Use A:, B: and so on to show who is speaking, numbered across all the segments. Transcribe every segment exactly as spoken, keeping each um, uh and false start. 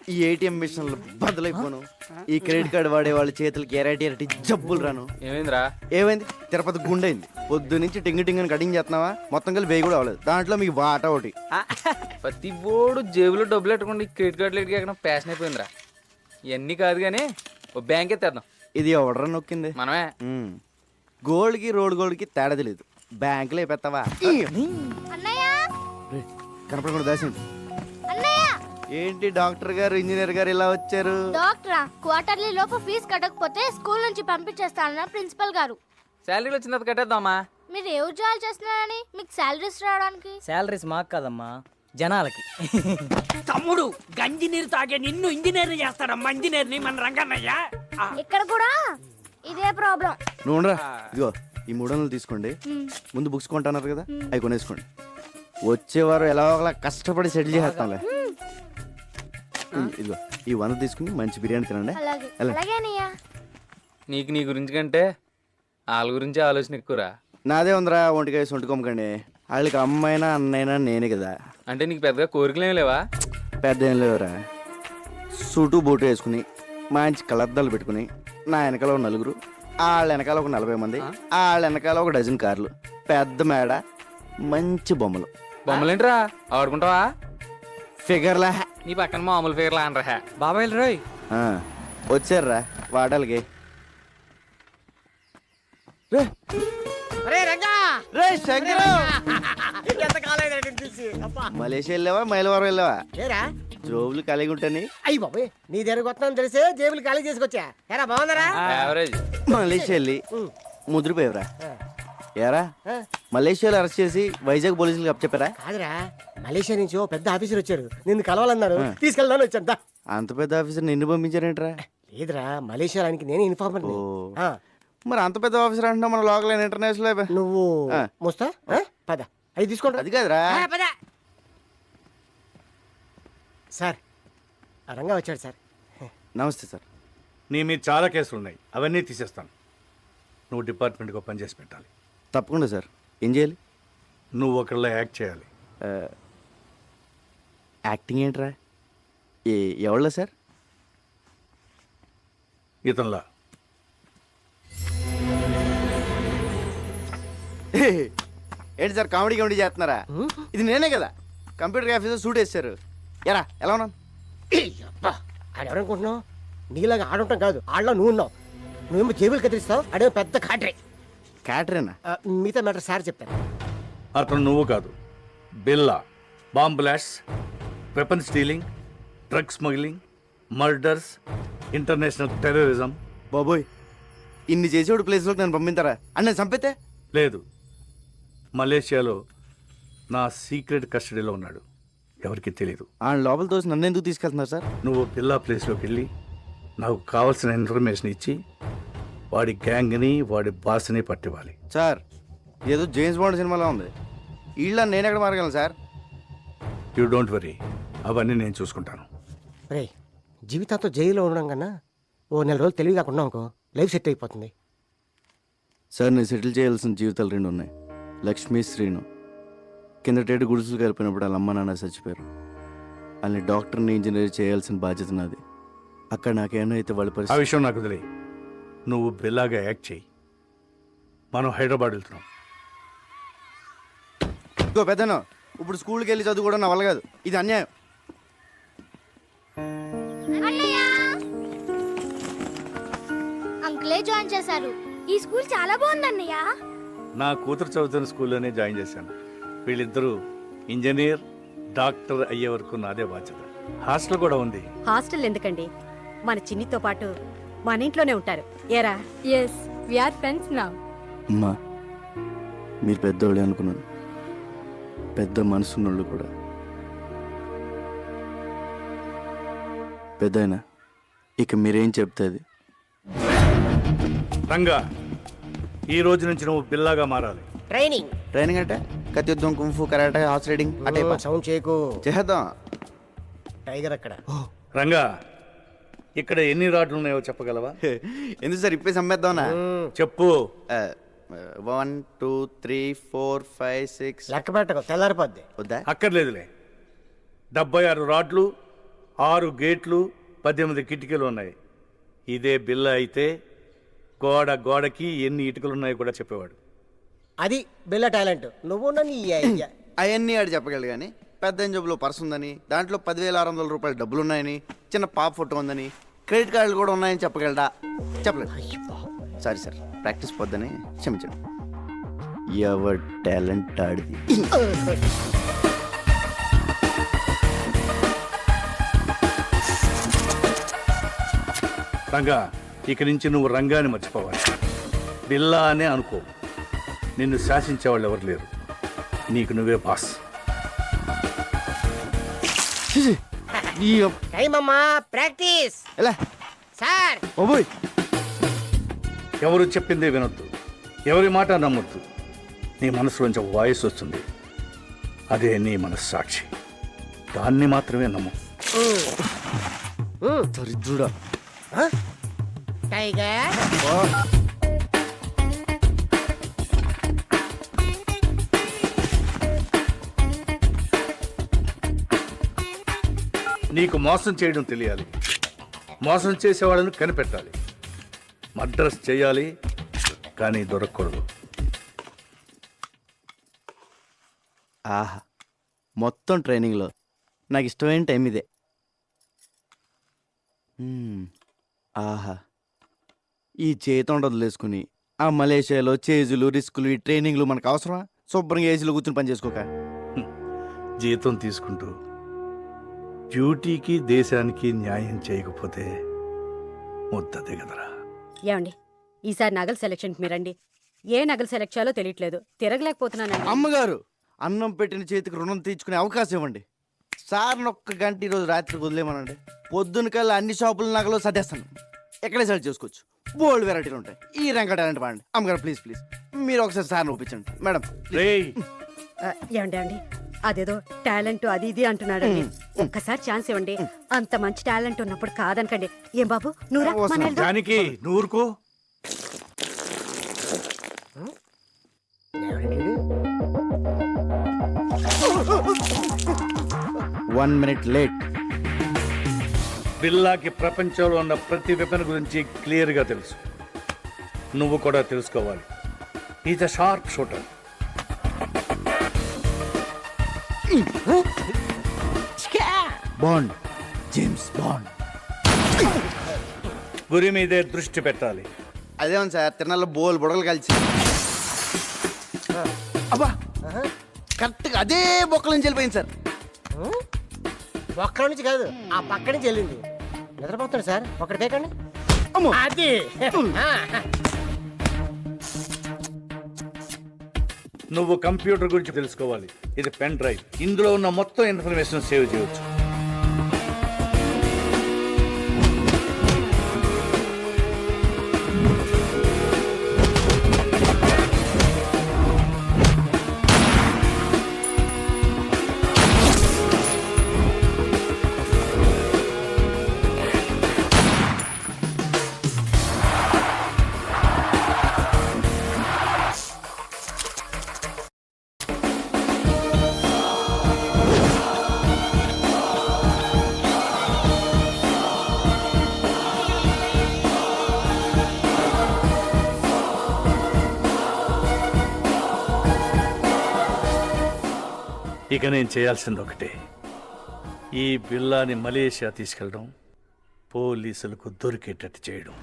A: ఈ ఏటీఎం మిషన్లు బదులైపోను, ఈ క్రెడిట్ కార్డు వాడే వాళ్ళ చేతులకి ఎరాటి ఎరటి జబ్బులు రాను.
B: ఏమైందిరా?
A: ఏమైంది? తిరుపతి గుండైంది. పొద్దు నుంచి టింగ్ టింగ్ అని కటింగ్ చేస్తున్నావా? మొత్తం కలిసి వేయి కూడా అవ్వలేదు. దాంట్లో మీకు వాటా ఒకటి.
B: ప్రతి బోర్డు జేబులో డబ్బులు పెట్టుకోండి, క్రెడిట్ కార్డులు ఎక్కడ ప్యాషన్ అయిపోయిందిరా. ఇవన్నీ కాదు కానీ ఓ బ్యాంక్ ఎత్తేద్దాం.
A: ఇది ఎవడరా నొక్కింది?
B: మనమే.
A: గోల్డ్ కి రోడ్ గోల్డ్ కి తేడా తెలియదు. బ్యాంకులో అయిపోతావా? కనపడకుండా దాసింది. ఏంటి డాక్టర్ గారు ఇంజనీర్ గారు ఇలా వచ్చారు?
C: డాక్టరా, క్వార్టర్లీ లోపు ఫీజు కట్టకపోతే స్కూల్ నుంచి పంపించేస్తానన్న ప్రిన్సిపల్ గారు.
B: శాలరీలు వచ్చిన తర్వాత కట్టేద్దామా?
C: మీరు ఏ ఉద్యోగాలు చేస్తున్నారని మీకు శాలరీస్ రావడానికి?
D: శాలరీస్ మాకు కాదమ్మా, జనాలకి.
E: తమ్ముడు గంజి నీరు తాగే నిన్ను ఇంజనీర్ చేస్తాడమ్మా, ఇంజనీర్ ని మన రంగన్నయ్య.
C: ఇక్కడ కూడా ఇదే ప్రాబ్లం.
A: నువ్వు ఉండరా, ఇదిగో ఈ మూడు వందలు తీసుకోండి. ముందు బుక్స్ కొంటున్నారు కదా, అవి కొనేసుకోండి. వచ్చేవారు ఎలా ఒకలా కష్టపడి సెటిల్ చేస్తాంలే. ఇదిగో ఈ వంద తీసుకుని మంచి బిర్యానీ తినండి.
C: అలాగే అలాగే అన్నయ్య.
B: నీకు నీ గురించి కంటే వాళ్ళ గురించి ఆలోచన ఎక్కువరా.
A: నాదే ఉందిరా, ఒంటికాయ సొంటుకోమకండి. వాళ్ళకి అమ్మైనా అన్నైనా నేనే కదా.
B: అంటే నీకు పెద్దగా కోరికలేం లేవా?
A: పెద్ద ఏం లేవురా. సూటు బూటు వేసుకుని మంచి కలర్దాలు పెట్టుకుని నా వెనకాల ఒక నలుగురు, వాళ్ళ వెనకాల ఒక నలభై మంది, వాళ్ళ వెనకాల ఒక డజన్ కార్లు, పెద్ద మేడ, మంచి బొమ్మలు.
B: బొమ్మలేంట్రా ఆడుకుంటావా?
A: ఫిగర్లా
B: నీ పక్కన మామూలు ఫిగర్లా అనరా.
D: బాబాయ్ రోయ్
A: వచ్చారా వాటాలకి. మలేషియా వెళ్ళావా మైలవరం వెళ్ళావా? జోబులు ఖాళీగా ఉంటాయి.
E: అయ్యి బాబోయ్, నీ దగ్గరకు వస్తున్నాను తెలిసే జేబులు ఖాళీ చేసుకొచ్చా. ఎరా బాగుందరా?
B: యావరేజ్.
A: మలేషియా వెళ్ళి ముద్రపోయావురా. ఏరా మలేషియాలో అరెస్ట్ చేసి వైజాగ్ పోలీసులకు అప్పచెప్పారా?
E: కాదురా, మలేషియా నుంచి ఓ పెద్ద ఆఫీసర్ వచ్చారు, నిన్ను కలవాలన్నారు, తీసుకెళ్దాను వచ్చాను.
A: అంత పెద్ద ఆఫీసర్ నిన్ను పంపించారేంట్రా?
E: లేదురా, మలేషియా ఆయనకి నేనే ఇన్ఫార్మర్.
A: మరి అంత పెద్ద ఆఫీసర్ అంటున్నా మన లోకల్ ఇంటర్నేషనల్.
E: నువ్వు మోస్తా పద, అవి తీసుకోండి.
A: అది కాదురా.
E: సార్ రంగా వచ్చాడు సార్.
A: నమస్తే సార్.
F: నీ మీద చాలా కేసులు ఉన్నాయి, అవన్నీ తీసేస్తాను. నువ్వు డిపార్ట్మెంట్కి పని చేసి పెట్టాలి.
A: తప్పకుండా సార్. ఏం చేయాలి?
F: నువ్వు ఒకళ్ళ యాక్ట్ చేయాలి.
A: యాక్టింగ్ ఏంట్రా? ఏ ఎవళ్ళ సార్?
F: ఇతనిలా.
A: ఏంటి సార్ కామెడీ కామెడీ చేస్తున్నారా? ఇది నేనే కదా కంప్యూటర్ ఆఫీసర్ సూట్ వేస్తారు. ఎరా ఎలా ఉన్నాను?
E: ఆడెవరనుకుంటున్నావు? నీలాగా ఆడుంటాం కాదు, ఆడలో నువ్వు ఉన్నావు. నువ్వేమో జేబులు కత్తిరిస్తావు, అడే పెద్ద కాటరే.
A: క్యాటరేనా?
E: మిగతా మ్యాటర్ సార్ చెప్తాను.
F: అతను నువ్వు కాదు, Billa. Bomb blast, weapon stealing, drug smuggling, murders, international terrorism.
A: బాబోయ్, ఇన్ని చేసేవాడు ప్లేస్లోకి నన్ను పంపిస్తారా? అని నేను చంపితే?
F: లేదు, మలేషియాలో నా సీక్రెట్ కస్టడీలో ఉన్నాడు, ఎవరికి తెలియదు.
A: ఆ లోపల తోసి నన్ను ఎందుకు తీసుకెళ్తున్నారు సార్?
F: నువ్వు బిల్లా ప్లేస్లోకి వెళ్ళి నాకు కావాల్సిన ఇన్ఫర్మేషన్ ఇచ్చి వాడి గ్యాంగ్ని వాడి బాస్ని పట్టివ్వాలి.
A: సార్ ఏదో జేమ్స్ బాండ్ సినిమాలో ఉంది. వీళ్ళ నేను ఎక్కడ మారగలను సార్?
F: యూ డోంట్ వరీ, అవన్నీ నేను చూసుకుంటాను.
E: రే, జీవితాంతో జైల్లో ఉండడం కన్నా ఓ నెల రోజులు తెలివి కాకుండా అనుకో, లైఫ్ సెట్ అయిపోతుంది.
A: సార్ నేను సెటిల్ చేయాల్సిన జీవితాలు రెండు ఉన్నాయి. లక్ష్మీ, శ్రీను. కిందటేటు గుడిసెలు కలిపినప్పుడు వాళ్ళ అమ్మ నాన్న చచ్చిపోయారు. వాళ్ళని డాక్టర్ని ఇంజనీర్ చేయాల్సిన బాధ్యత నాది. అక్కడ నాకేమో అయితే వాళ్ళ
F: ఆ
A: పరిస్థితి.
F: విషయం నాకు వదిలే. నువ్వు బిల్లాగా యాక్ట్ చేయి. మనం హైదరాబాద్ వెళ్తున్నాం.
A: ఇంకో పెద్దను ఇప్పుడు స్కూల్కి వెళ్ళి చదువుకోవడం నా వల్ల కాదు. ఇది అన్యాయం.
C: అంకులే జాయిన్ చేశారు. ఈ స్కూల్ చాలా బాగుంది అన్నయ్య.
F: నా కూతురు చదువుతున్న స్కూల్లోనే జాయిన్ చేశాను. వీళ్ళిద్దరూ ఇంజనీర్, డాక్టర్ అయ్యే వరకు నాదే బాధ్యత. హాస్టల్ కూడా ఉంది.
G: హాస్టల్ ఎందుకండి, మన చిన్నితో పాటు మన ఇంట్లోనే ఉంటారు. ఏరా?
H: Yes, we are friends now.
A: అమ్మా, మీరు పెద్దోళ్ళే అనుకున్నాను. పెద్ద మనసున్నోళ్ళు కూడా. పెద్దయినా ఇక మీరేం చెప్తే అది.
F: రంగా, ఈ రోజు నుంచి నువ్వు బిల్లాగా మారాలి.
E: ట్రైనింగ్
A: ట్రైనింగ్ అంటే కత్తి యుద్ధం, కుంఫు, కరాటే, హార్స్ రైడింగ్ అంటే
E: సౌండ్ చేయకు.
A: చేద్దాం.
E: టైగర్ అక్కడ.
F: రంగా, ఇక్కడ ఎన్ని రాడ్లు ఉన్నాయో చెప్పగలవా?
A: ఎందుకు సార్ ఇప్పేసి అమ్మేద్దామనా?
F: చెప్పు.
A: One two three four five six.
E: లెక్క పెట్టకు, తెల్లారిపోద్ది.
A: వద్దా?
F: అక్కర్లేదులే. డెబ్బై ఆరు రాడ్లు, ఆరు గేట్లు పద్దెనిమిది కిటికీలు ఉన్నాయి. ఇదే బిల్ల అయితే గోడ గోడకి ఎన్ని ఇటుకలు ఉన్నాయో కూడా చెప్పేవాడు.
E: అది బిల్ల టాలెంట్. నువ్వు నీ ఐడియా.
A: అవన్నీ ఆడు చెప్పగలడు కానీ పెద్ద జబ్బులో పర్స్ ఉందని, దాంట్లో పదివేల ఆరు వందల రూపాయల డబ్బులు ఉన్నాయని, చిన్న పాప ఫోటో ఉందని, క్రెడిట్ కార్డులు కూడా ఉన్నాయని చెప్పగలడా? చెప్పలేదు. సారీ సార్, ప్రాక్టీస్ పొద్దని క్షమించండి. ఎవర్ టాలెంట్ ఆడిది.
F: రంగా, ఇక నుంచి నువ్వు రంగాన్ని మర్చిపోవాలి. బిల్లా అనే అనుకో. నిన్ను శాసించేవాళ్ళు ఎవరు లేరు. నీకు నువ్వే బాస్.
E: టైం అమ్మా, ప్రాక్టీస్.
A: ఎలా
E: సార్
A: ఓబోయ్,
F: ఎవరు చెప్పిందే వినొద్దు, ఎవరి మాట నమ్మొద్దు. నీ మనసులోంచి ఒక వాయిస్ వస్తుంది, అదే నీ మనస్సాక్షి. దాన్ని మాత్రమే నమ్ము.
A: దరిద్రుడా.
E: టైగర్
F: నీకు మోసం చేయడం తెలియాలి, మోసం చేసేవాళ్ళని కనిపెట్టాలి. మద్రస్ చేయాలి కానీ దొరకకూడదు.
A: ఆహా, మొత్తం ట్రైనింగ్లో నాకు ఇష్టమైన టైం ఇదే. మ్మ్. ఆహా, ఈ చేతం వదిలేసుకుని ఆ మలేషియాలో చేజులు రిస్కులు ఈ ట్రైనింగ్లు మనకు అవసరమా? శుభ్రంగా ఏసీలో కూర్చుని పని చేసుకోక.
F: జీతం తీసుకుంటూ డ్యూటీకి దేశానికి న్యాయం చేయకపోతే ముద్ద దిగదరా.
G: ఏమండి, ఈసారి నగల సెలక్షన్కి మీరండి. ఏ నగలు సెలెక్ట్ చేయాలో తెలియట్లేదు, తిరగలేకపోతున్నానండి.
A: అమ్మగారు, అన్నం పెట్టిన చేతికి రుణం తీర్చుకునే అవకాశం ఇవ్వండి. సార్ని ఒక్క గంట ఈరోజు రాత్రికి వదిలేమనండి. పొద్దున కల్లా అన్ని షాపుల నగలు సర్దేస్తాను. ఎక్కడే సెలెక్ట్ చేసుకోవచ్చు. బోల్డ్ వెరైటీలు ఉంటాయి. ఈ రంగ టాలెంట్ వాడండి. అమ్మగారు ప్లీజ్ ప్లీజ్ మీరు ఒకసారి సార్ని ఒప్పించండి మేడం.
F: రేయ్,
G: ఆ, ఏమండి ఏమండి అదేదో టాలెంట్ అది ఇది అంటున్నాడండి. ఒక్కసారి ఛాన్స్ ఇవ్వండి. అంత మంచి టాలెంట్ ఉన్నప్పుడు కాదనకండి. ఏం బాబు నువ్వురా, మన వెళ్దాం.
F: దానికి నూరుకో.
A: One minute late.
F: బిల్లాకి ప్రపంచంలో ఉన్న ప్రతి వెపన్ గురించి క్లియర్గా తెలుసు. నువ్వు కూడా తెలుసుకోవాలి. Is a sharp shooter.
A: Bond, James Bond.
F: గురి మీదే దృష్టి పెట్టాలి.
A: అదేమో సార్, తిరణాల్లో బోల్ బుడగలు కలిసి అబ్బా కరెక్ట్గా అదే బొక్కల నుంచి వెళ్ళిపోయింది సార్.
E: ఒక్క నుంచి కాదు, ఆ పక్క నుంచి వెళ్ళింది. నిద్రపోతాడు సార్, ఒకటి కేకండి.
A: అమ్మో,
E: అది
F: నువ్వు కంప్యూటర్ గురించి తెలుసుకోవాలి. ఇది పెన్ డ్రైవ్. ఇందులో ఉన్న మొత్తం ఇన్ఫర్మేషన్ సేవ్ చేయవచ్చు. ఇక నేను చేయాల్సింది ఒకటే, ఈ బిల్లాని మలేషియా తీసుకెళ్ళడం, పోలీసులకు దొరికేటట్టు చేయడం.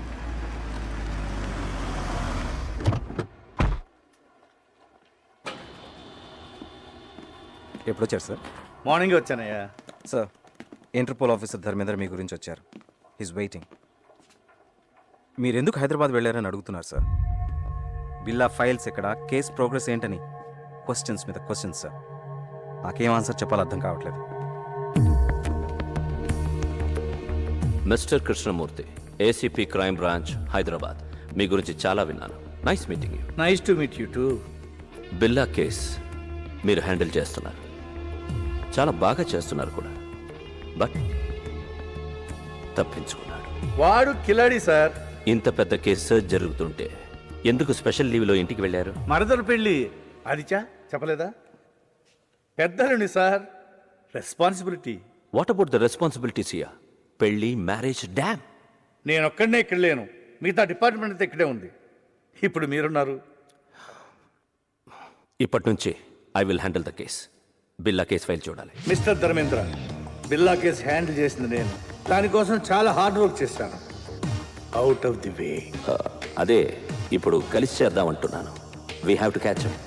I: ఎప్పుడు వచ్చారు సార్?
F: మార్నింగ్ వచ్చానయ్యా.
I: సార్, ఇంటర్పోల్ ఆఫీసర్ ధర్మేంద్ర మీ గురించి వచ్చారు. He's waiting. మీరు ఎందుకు హైదరాబాద్ వెళ్ళారని అడుగుతున్నారు సార్. బిల్లా ఫైల్స్ ఎక్కడ, కేస్ ప్రోగ్రెస్ ఏంటని క్వశ్చన్స్ మీద క్వశ్చన్స్ సార్. నాకేం ఆన్సర్ చెప్పాలో అర్థం కావట్లేదు.
J: Mister Krishnamurthy, ACP crime branch, Hyderabad. మీ గురించి చాలా విన్నాను. Nice meeting you.
F: Nice to meet you too.
J: Billa case మీరు హ్యాండిల్ చేస్తున్నారు, చాలా బాగా చేస్తున్నారు కూడా. బట్ తప్పించుకున్నాడు.
F: వాడు కిలాడి సార్.
J: ఇంత పెద్ద కేసు జరుగుతుంటే ఎందుకు స్పెషల్ లీవ్లో ఇంటికి వెళ్ళారు?
F: మరదలు పెళ్ళి అదిచా చెప్పలేదా? పెద్దలుండి sir, responsibility.
J: What about the responsibilities year? పెళ్ళి, మ్యారేజ్, డ్యామ్.
F: నేను ఒక్కడనే ఇక్కడ లేను, మిగతా డిపార్ట్మెంట్ అంతా ఇక్కడే ఉంది. ఇప్పుడు మీరున్నారు.
J: ఇప్పటి నుంచి I will handle the case. Billa case file చూడాలి.
F: Mister Dharmendra, Billa case handle చేసింది నేను. దానికోసం చాలా హార్డ్ వర్క్ చేశాను. Out of the way.
J: Uh, అదే ఇప్పుడు కలిసి చేద్దాం అంటున్నాను. We have to catch up.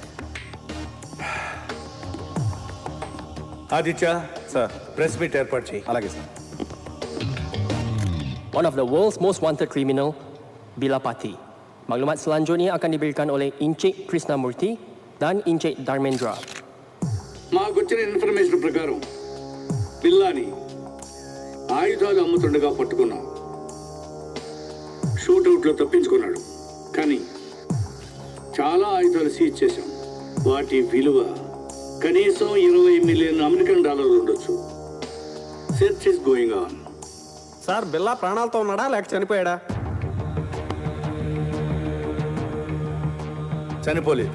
F: Aditya sir, press meet ఏర్పాటు చేయి.
I: అలాగే sir.
K: One of the world's most wanted criminal, Bila Pati. Maklumat selanjutnya akan diberikan oleh Encik Krishnamurti dan Encik Dharmendra.
F: మాకు వచ్చిన ఇన్ఫర్మేషన్ ప్రకారం బిల్లాని ఆయుధాలు అమ్ముతుండగా పట్టుకున్నాం. షూట్అవుట్లో తప్పించుకున్నాడు, కానీ చాలా ఆయుధాలు సీజ్ చేశాం. వాటి విలువ కనీసం ఇరవై మిలియన్ అమెరికన్ డాలర్లు ఉండొచ్చు. Search is going on.
K: Sir, Billa ప్రాణాలతో ఉన్నాడా లేక చనిపోయాడా?
F: చనిపోలేదు.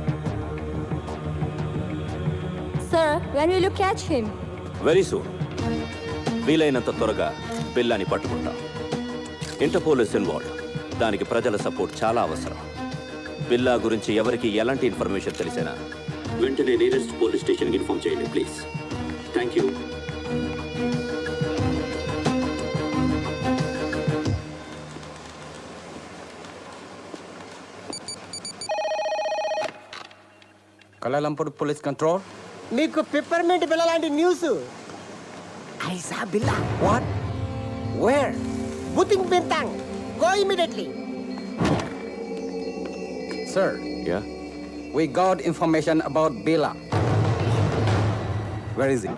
H: Sir, when will you catch him?
J: Very soon. వీలైనంత త్వరగా బిల్లాని పట్టుకుంటాం. Interpol is involved. దానికి ప్రజల సపోర్ట్ చాలా అవసరం. బిల్లా గురించి ఎవరికి ఎలాంటి ఇన్ఫర్మేషన్ తెలిసినా వెంటనే నియరెస్ట్ పోలీస్ స్టేషన్కి ఇన్ఫార్మ్ చేయండి please. Thank you.
K: Kuala Lumpur Police Control.
E: మీకు పిప్పర్మెంట్ బిల్ల లాంటి న్యూస్. ఐసా బిల్లా.
K: What? Where?
E: బుతింగ్ Bintang. Go immediately.
K: Sir,
J: yeah,
K: we got information about Bila. Where is he?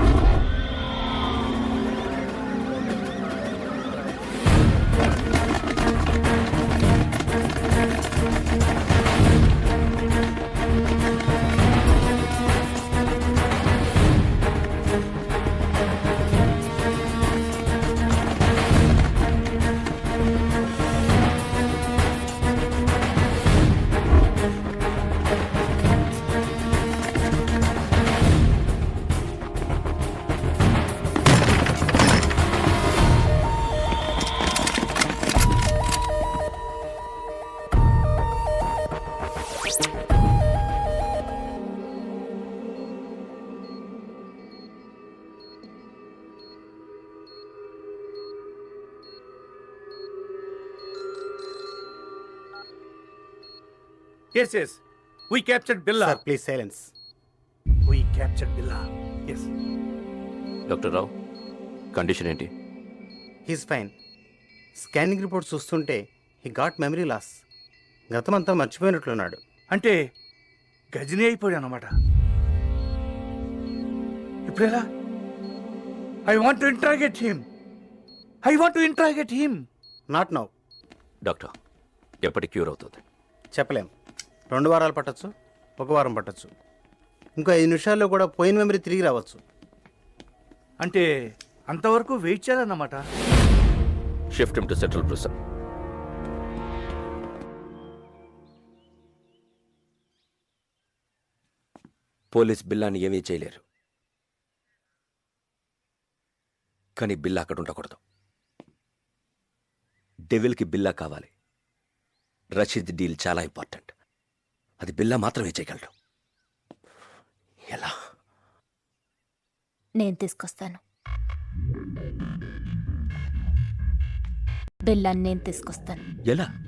F: Yes, yes. We captured Billa.
E: Sir please silence.
F: We captured Billa. Yes.
J: Doctor Rao, condition ఏంటి?
E: He's fine. Scanning report చూస్తుంటే he got memory loss. గతమంతా మర్చిపోయినట్లున్నాడు.
F: అంటే గజని అయిపోయాడు అన్నమాట. ఇప్పుడు ఎలా? I want to interrogate him. I want to interrogate him.
E: Not now.
J: Doctor, ఎప్పటి క్యూర్ అవుతుంది?
E: చెప్పలేం. రెండు వారాలు పట్టచ్చు, ఒక వారం పట్టచ్చు, ఇంకో ఐదు నిమిషాల్లో కూడా పోయిన మెమరీ తిరిగి రావచ్చు.
F: అంటే అంతవరకు వెయిట్ చేయాలన్నమాట.
J: Shift him to central prison. Police బిల్లాని ఏమీ చేయలేరు, కానీ బిల్లా అక్కడ ఉండకూడదు. డెవిల్కి బిల్లా కావాలి. రషీద్ డీల్ చాలా ఇంపార్టెంట్. అది బిల్లా మాత్రమే చేయగలడు. ఎలా?
H: నేను తీసుకొస్తాను. బిల్లాన్ని నేను తీసుకొస్తాను.
J: ఎలా?